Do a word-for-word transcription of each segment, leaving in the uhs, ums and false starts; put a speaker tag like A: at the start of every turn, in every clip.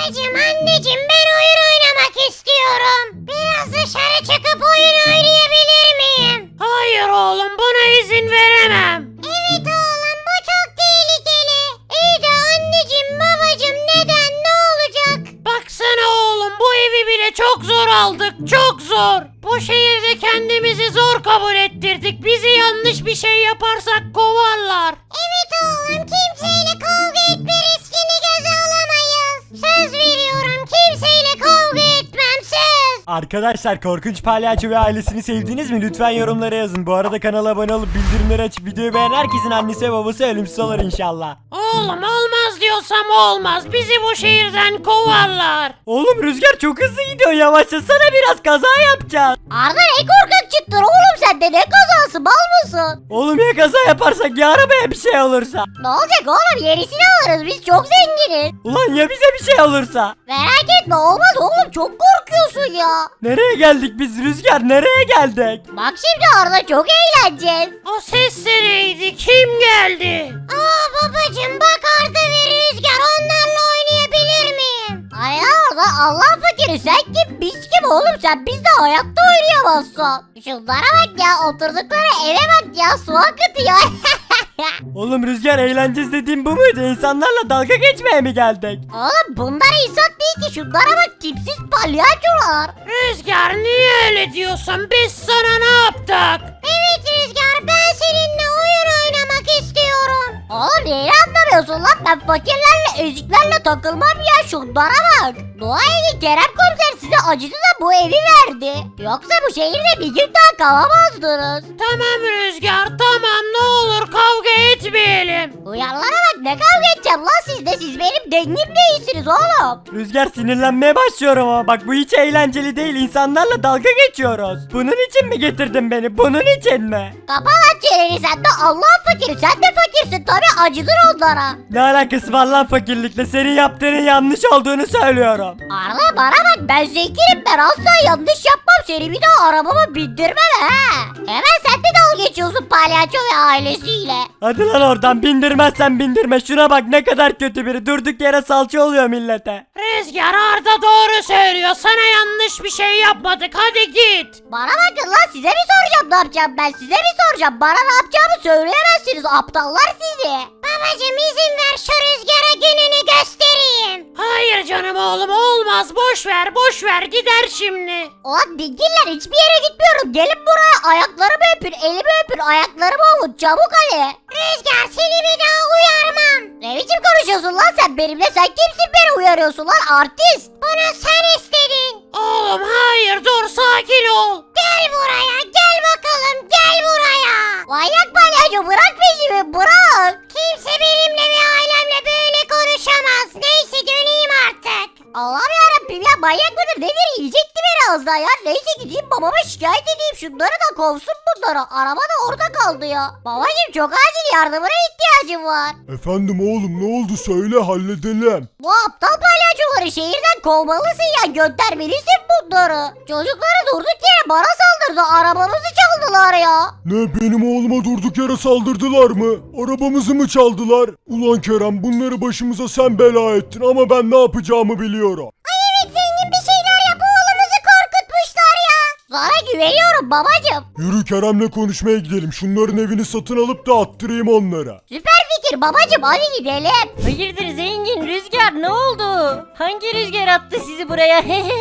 A: Babacım, anneciğim, ben oyun oynamak istiyorum. Biraz dışarı çıkıp oyun oynayabilir miyim?
B: Hayır oğlum, buna izin veremem.
A: Evet oğlum, bu çok tehlikeli. İyi de anneciğim, babacım, neden, ne olacak?
B: Baksana oğlum, bu evi bile çok zor aldık, çok zor. Bu şehirde kendimizi zor kabul ettirdik. Bizi yanlış bir şey yaparsak kovarlar.
A: Evet oğlum, kimseyle kavga etme riskini göze alamayız. Söz veriyorum, kimseyle kavga etmem, söz.
C: Arkadaşlar, Korkunç Palyaço ve ailesini sevdiniz mi? Lütfen yorumlara yazın. Bu arada kanala abone olup bildirimleri açıp videoyu beğenen herkesin annesi ve babası ölümsüz olur inşallah.
B: Oğlum, olmaz diyorsam olmaz. Bizi bu şehirden kovarlar.
C: Oğlum, Rüzgar çok hızlı gidiyor. Yavaşlasana, biraz kaza yapacağız.
A: Arda, ne korkak çıktın oğlum, sen de ne kazası, mal mısın?
C: Oğlum, ya kaza yaparsak, ya arabaya bir şey olursa?
A: Ne olacak oğlum, yenisini alırız, biz çok zenginiz.
C: Ulan ya bize bir şey olursa?
A: Merak etme, olmaz oğlum, çok korkuyorsun ya.
C: Nereye geldik biz Rüzgar, nereye geldik?
A: Bak şimdi Arda, çok eğleneceğiz.
B: O ses de neydi? Kim geldi?
A: Aa babacım, bak Arda ve Rüzgar, onlarla oynayabilir miyim? Ay Arda, Allah fakiri, sen kim, biz kim oğlum, sen bizde hayatta oynayamazsın. Şunlara bak ya, oturdukları eve bak ya, su akıtıyor.
C: Oğlum Rüzgar, eğleneceğiz dediğim bu muydu? İnsanlarla dalga geçmeye mi geldik?
A: Oğlum bunlar insan değil ki, şunlara bak, tipsiz palyaçolar.
B: Rüzgar, niye öyle diyorsun? Biz sana ne yaptık?
A: Evet Rüzgar, ben seninle oyun oynamak istiyorum. Oğlum neyi anlamıyorsun lan, ben fakirlerle eziklerle takılmam ya, şunlara bak. Dua edin Kerem komiser size acıdı da bu evi verdi. Yoksa bu şehirde bir gün daha kalamazdınız.
B: Tamam Rüzgar, tamam, ne olur kavga etmeyelim.
A: Uyarlara bak, ne kavga edeceğim lan sizde, siz benim dengim değilsiniz oğlum.
C: Rüzgar, sinirlenmeye başlıyorum ama bak, bu hiç eğlenceli değil. İnsanlarla dalga geçiyoruz. Bunun için mi getirdin beni? Bunun için mi?
A: Kapa lan çeneni, sen de Allah fakiri, sen de fakirsin tabi, acıdır onlara.
C: Ne alakası var lan fakirlikle? Senin yaptığının yanlış olduğunu söylüyorum.
A: Arda bana bak, ben zenginim, ben asla yanlış yapmam, seni bir daha arabama bindirmem he. Hemen sen de dalga geçiyorsun palyaço ve ailesiyle.
C: Hadi lan oradan, bindirmezsen bindirme. Şuna bak, ne kadar kötü biri. Durduk yere salça oluyor millete.
B: Rüzgar, Arda doğru söylüyor. Sana yanlış bir şey yapmadık. Hadi git.
A: Bana bakın lan, size mi soracağım ne yapacağım, ben size mi soracağım, bana ne yapacağımı söyleyemezsiniz, aptallar sizi. Babacım, izin ver şu Rüzgar'a gününü göstereyim.
B: Hayır canım oğlum, olmaz. Boş ver, boş ver. Gider şimdi.
A: Ulan dingiller, hiçbir yere gitmiyorum, gelin buraya, ayaklarımı öpün, elimi öpün, ayaklarımı ovun, çabuk hadi. Rüzgar, seni bir daha uyarmam. Ne biçim konuşuyorsun lan sen benimle, sen kimsin beni uyarıyorsun lan, artist. Bunu sen istedin.
B: Oğlum hayır, dur, sakin ol.
A: Gel buraya, gel bakalım, gel buraya. Manyak palyaço, bırak peşimi, bırak. Kimse benimle ve ailemle böyle konuşamaz. Neyse, döneyim artık. Allah'ım yarabbim ya, manyak mıdır nedir, yiyecekti beni az daha ya. Neyse, gideyim babama şikayet edeyim, şunları da kovsun bunları. Araba da orada kaldı ya. Babacım, çok acil yardımına ihtiyacım var.
D: Efendim oğlum, ne oldu, söyle halledelim.
A: Bu aptal palyaçoları şehirden kovmalısın ya, göndermelisin bunları. Çocukları durduk yere bana saldırdı, arabamızı çaldılar ya.
D: Ne, benim oğluma durduk yere saldırdılar mı? Arabamızı mı çaldılar? Ulan Kerem, bunları başımıza sen bela ettin ama ben ne yapacağımı biliyorum.
A: Ay evet, zengin bir şeyler yap, oğlumuzu korkutmuşlar ya. Sana güveniyorum babacım.
D: Yürü Kerem'le konuşmaya gidelim. Şunların evini satın alıp da attırayım onlara.
A: Süper fikir babacım, hadi gidelim.
E: Hayırdır zengin, Rüzgar ne oldu? Hangi rüzgar attı sizi buraya?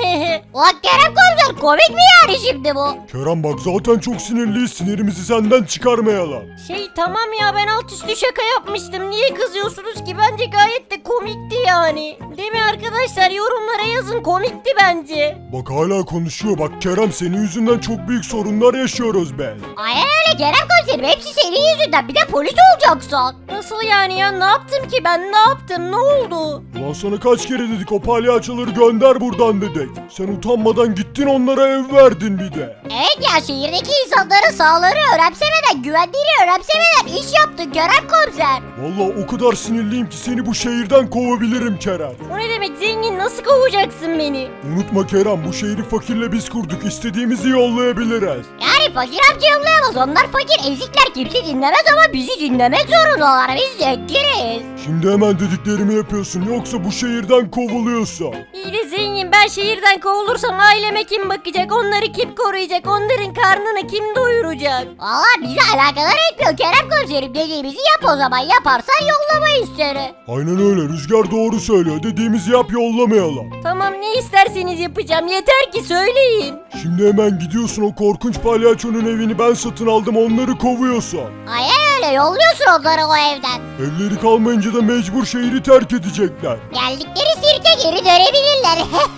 A: Ulan Kerem komiser, komik mi yani şimdi bu?
D: Kerem bak, zaten çok sinirliyiz, sinirimizi senden çıkarmayalım.
E: Şey tamam ya, ben alt üstü şaka yapmıştım. Niye kızıyorsunuz ki? Bence gayet de komikti yani. Değil mi arkadaşlar? Yorumlara yazın, komikti bence.
D: Bak hala konuşuyor. Bak Kerem, senin yüzünden çok büyük sorunlar yaşıyoruz ben.
A: Aynen öyle Kerem komiserim, hepsi senin yüzünden, bir de polis olacaksın.
E: Nasıl yani ya? Ne yaptım ki ben? Ne yaptım? Ne oldu?
D: Ulan sana kaç kere dedik, o palyaçoları gönder buradan dedik. Sen utanmadan gittin onlara ev verdin bir de.
A: Evet ya, şehirdeki insanların sağlığını önemsemeden, güvenliğini önemsemeden iş yaptın Kerem komiser.
D: Vallahi o kadar sinirliyim ki seni bu şehirden kovabilirim Kerem.
E: O ne demek zengin? Nasıl kovacaksın beni?
D: Unutma Kerem, bu şehri fakirle biz kurduk. İstediğimizi yollayabiliriz.
A: Yani Zengin fakir amca yollayamaz. Onlar fakir ezikler, kimse dinlemez ama bizi dinlemek zorundalar. Biz zenginiz.
D: Şimdi hemen dediklerimi yapıyorsun yoksa bu şehirden kovuluyorsun.
E: İyi de zengin, ben şehirden kovulursam aileme kim bakacak? Onları kim koruyacak? Onların karnını kim doyuracak?
A: Valla bizi alakadar etmiyor Kerem komiserim. Dediğimizi yap o zaman. Yaparsan yollamayız seni.
D: Aynen öyle, Rüzgar doğru söylüyor. Dediğimizi yap, yollamayalım.
E: Tamam, ne isterseniz yapacağım. Yeter ki söyleyin.
D: Şimdi hemen gidiyorsun, o korkunç palyaçonun evini ben satın aldım, onları kovuyorsun.
A: Aynen öyle, yolluyorsun onları o evden.
D: Evleri kalmayınca da mecbur şehri terk edecekler.
A: Geldikleri sirke geri dönebilirler.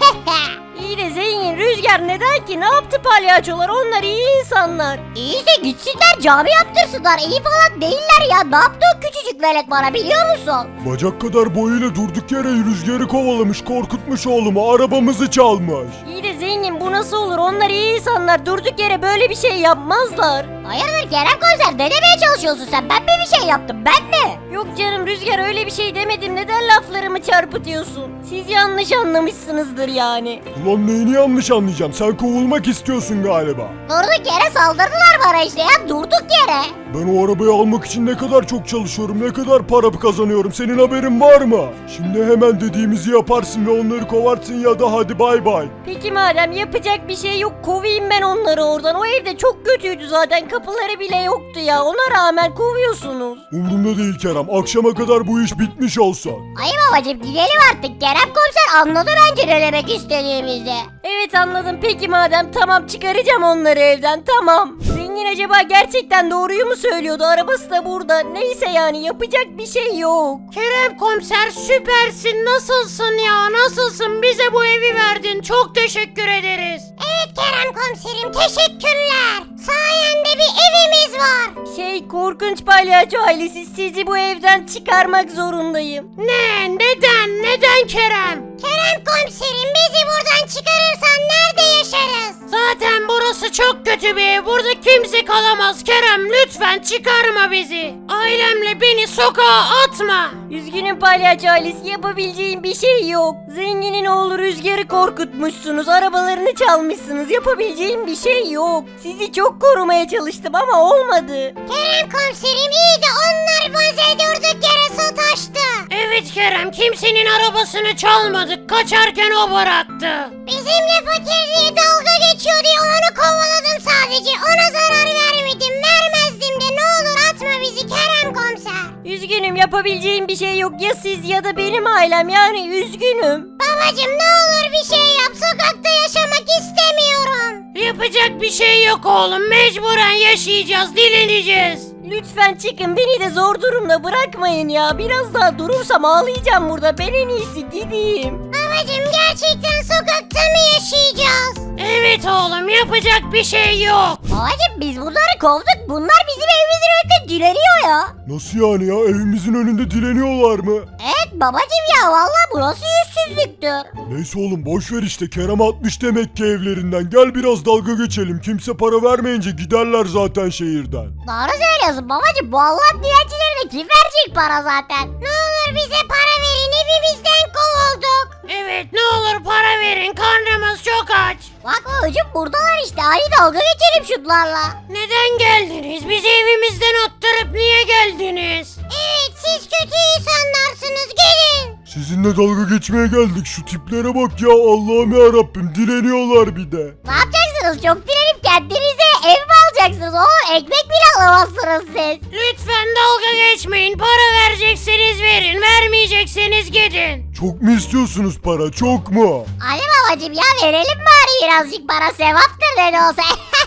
E: İyi de zengin, Rüzgar neden ki? Ne yaptı palyaçolar? Onlar iyi insanlar.
A: İyiyse gitsinler cami yaptırsınlar. İyi falan değiller ya. Ne yaptı o küçücük velet bana biliyor musun?
D: Bacak kadar boyuyla durduk yere Rüzgar'ı kovalamış, korkutmuş oğlumu, arabamızı çalmış.
E: İyi de zengin, bu nasıl olur? Onlar iyi insanlar. Durduk yere böyle bir şey yapmazlar.
A: Hayırdır Kerem komiser, ne demeye çalışıyorsun sen? Ben mi bir şey yaptım, ben mi?
E: Yok canım Rüzgar, öyle bir şey demedim. Neden laflarımı çarpıtıyorsun? Siz yanlış anlamışsınızdır yani.
D: Ulan neyini yanlış anlayacağım, sen kovulmak istiyorsun galiba.
A: Durduk yere saldırdılar bana işte ya, durduk yere.
D: Ben o arabayı almak için ne kadar çok çalışıyorum, ne kadar para kazanıyorum, senin haberin var mı? Şimdi hemen dediğimizi yaparsın ve onları kovarsın ya da hadi bay bay.
E: Peki madem yapacak bir şey yok, kovayım ben onları oradan. O evde çok kötüydü zaten, kapıları bile yoktu ya. Ona rağmen kovuyorsunuz.
D: Umurumda değil Kerem, akşama kadar bu iş bitmiş olsa.
A: Ay babacım gidelim artık, Kerem komiser anladı bence ne demek istediğimizi.
E: Evet anladım, peki madem tamam, çıkaracağım onları evden, tamam. Zengin acaba gerçekten doğruyu mu söylüyordu? Arabası da burada. Neyse yani, yapacak bir şey yok.
B: Kerem komiser süpersin, nasılsın ya, nasılsın, bize bu evi verdin, çok teşekkür ederiz.
A: Evet Kerem komiserim, teşekkürler. Sayende bir evimiz var.
E: Şey, korkunç palyaço ailesi, sizi bu evden çıkarmak zorundayım.
B: Ne, neden, neden Kerem?
A: Kerem komiserim, bizi buradan çıkarırsan nerede yaşarız?
B: Zaten burası çok kötü bir ev, burada kimse kalamaz Kerem, lütfen çıkarma bizi. Ailemle beni sokağa atma.
E: Üzgünüm palyaço ailesi, yapabileceğim bir şey yok. Zenginin oğlu Rüzgar'ı korkutmuşsunuz, arabalarını çalmışsınız, yapabileceğim bir şey yok. Sizi çok korumaya çalıştım ama olmadı.
A: Kerem komiserim, iyi de onlar bize durduk yere sataştı.
B: Evet Kerem, kimsenin arabasını çalmadık, kaçarken o bıraktı.
A: Bizimle fakir diye dalga geçiyor diye onu kovaladım sadece. Ona zarar vermedim, vermezdim de, ne olur atma bizi Kerem komiser.
E: Üzgünüm, yapabileceğim bir şey yok, ya siz ya da benim ailem, yani üzgünüm.
A: Babacım ne olur bir şey yap, sokakta yaşamak istemiyorum.
B: Yapacak bir şey yok oğlum, mecburen yaşayacağız, dileneceğiz.
E: Lütfen çıkın, beni de zor durumda bırakmayın ya. Biraz daha durursam ağlayacağım burada, ben en iyisi gideyim.
A: Babacım gerçekten sokakta mı yaşayacağız?
B: Evet oğlum, yapacak bir şey yok.
A: Babacım biz bunları kovduk, bunlar bizim evimizin önünde dileniyor ya.
D: Nasıl yani ya, evimizin önünde dileniyorlar mı?
A: Evet babacım ya, vallahi bu nasıl yüzsüzlüktür?
D: Neyse oğlum boş ver işte, Kerem atmış demek ki evlerinden, gel biraz dalga geçelim, kimse para vermeyince giderler zaten şehirden.
A: Doğru söylüyorsun babacım, bu Allah'ın dilencilerine kim verecek para zaten? Ne olur bize para verin, evimizden kovulduk.
B: Evet, ne olur para verin, karnımız çok aç.
A: Bak babacım buradalar işte, hadi dalga geçelim şunlarla.
B: Neden geldiniz? Bizi evimizden attırıp niye geldiniz?
A: Evet siz kötü insanlarsınız, gelin.
D: Sizinle dalga geçmeye geldik, şu tiplere bak ya, Allah'ım ya Rabbim, dileniyorlar bir de.
A: Ne yapacaksınız, çok direnip kendinize ev mi alacaksınız oğlum, ekmek bile alamazsınız siz.
B: Lütfen dalga geçmeyin, para verecekseniz verin, vermeyecekseniz gidin.
D: Çok mu istiyorsunuz para, çok mu?
A: Hadi babacım ya, verelim bari birazcık para, sevaptır ne de olsa.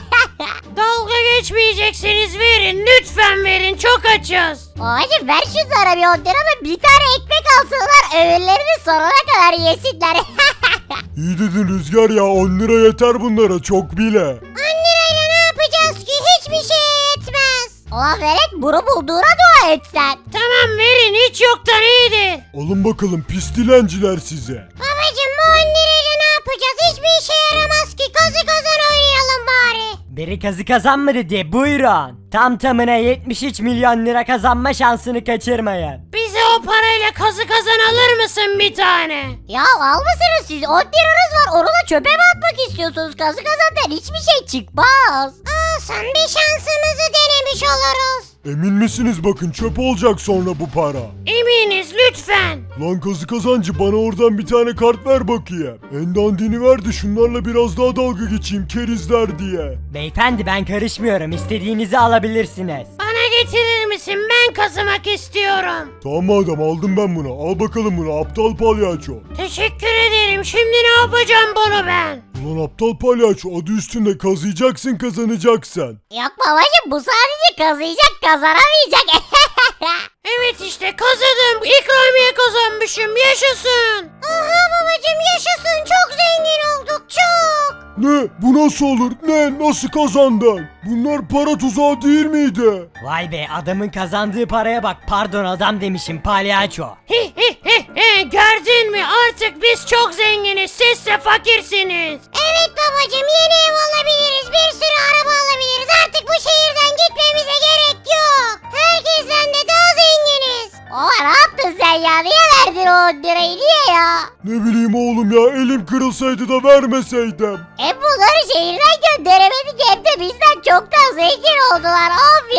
B: Dalga geçmeyecekseniz verin, lütfen verin, çok açız.
A: Babacım ver şunlara bir on lira da bir tane ekmek alsınlar, öğünlerini sonuna kadar yesinler.
D: İyi dedin Rüzgar ya, on lira yeter bunlara, çok bile.
A: on lirayla ne yapacağız ki, hiçbir şeye yetmez. Ulan velet, bunu bulduğuna dua et sen.
B: Tamam verin, hiç yoktan iyidir.
D: Alın bakalım pis dilenciler size.
A: Babacım bu on lirayla ne yapacağız, hiçbir işe yaramaz ki, kazı kazan oynayalım bari.
C: Biri kazı kazan mı dedi, buyurun. Tam tamına yetmiş üç milyon lira kazanma şansını kaçırmayın.
B: Bize o parayla kazı kazan alır mısın bir tane?
A: Ya almışsınız siz on liranız var onu da çöpe mi atmak istiyorsunuz? Kazı kazandan hiçbir şey çıkmaz. Olsun bir şansımızı denemiş oluruz.
D: Emin misiniz bakın çöp olacak sonra bu para.
B: Eminiz lütfen.
D: Lan kazı kazancı bana oradan bir tane kart ver bakayım. En dandini ver de şunlarla biraz daha dalga geçeyim kerizler diye.
C: Beyefendi ben karışmıyorum. İstediğinizi alabilirsiniz.
B: Bana getirir misin? Ben kazımak istiyorum.
D: Tamam madem aldım ben bunu. Al bakalım bunu aptal palyaço.
B: Teşekkür ederim. Şimdi ne yapacağım bunu ben?
D: Ulan aptal palyaço adı üstünde kazıyacaksın kazanacaksın.
A: Yok babacım bu sadece kazıyacak kazanamayacak.
B: Evet işte kazıdım. İkramiye kazanmışım. Yaşasın.
A: Aha babacım yaşasın çok zengin olduk çok.
D: Ne? Bu nasıl olur? Ne? Nasıl kazandın? Bunlar para tuzağı değil miydi?
C: Vay be adamın kazandığı paraya bak. Pardon adam demişim palyaço.
B: Hi hi hi hi. Gördün mü? Artık biz çok zenginiz. Siz de fakirsiniz.
A: Evet babacım yeni ev alabiliriz bir sürü araba alabiliriz artık bu şehirden gitmemize gerek yok. Herkesten de daha zenginiz. Baba ne yaptın sen ya niye verdin o on lirayı niye ya?
D: Ne bileyim oğlum ya elim kırılsaydı da vermeseydim.
A: Hem bunları şehirden gönderemedik hem de bizden çok daha zengin oldular of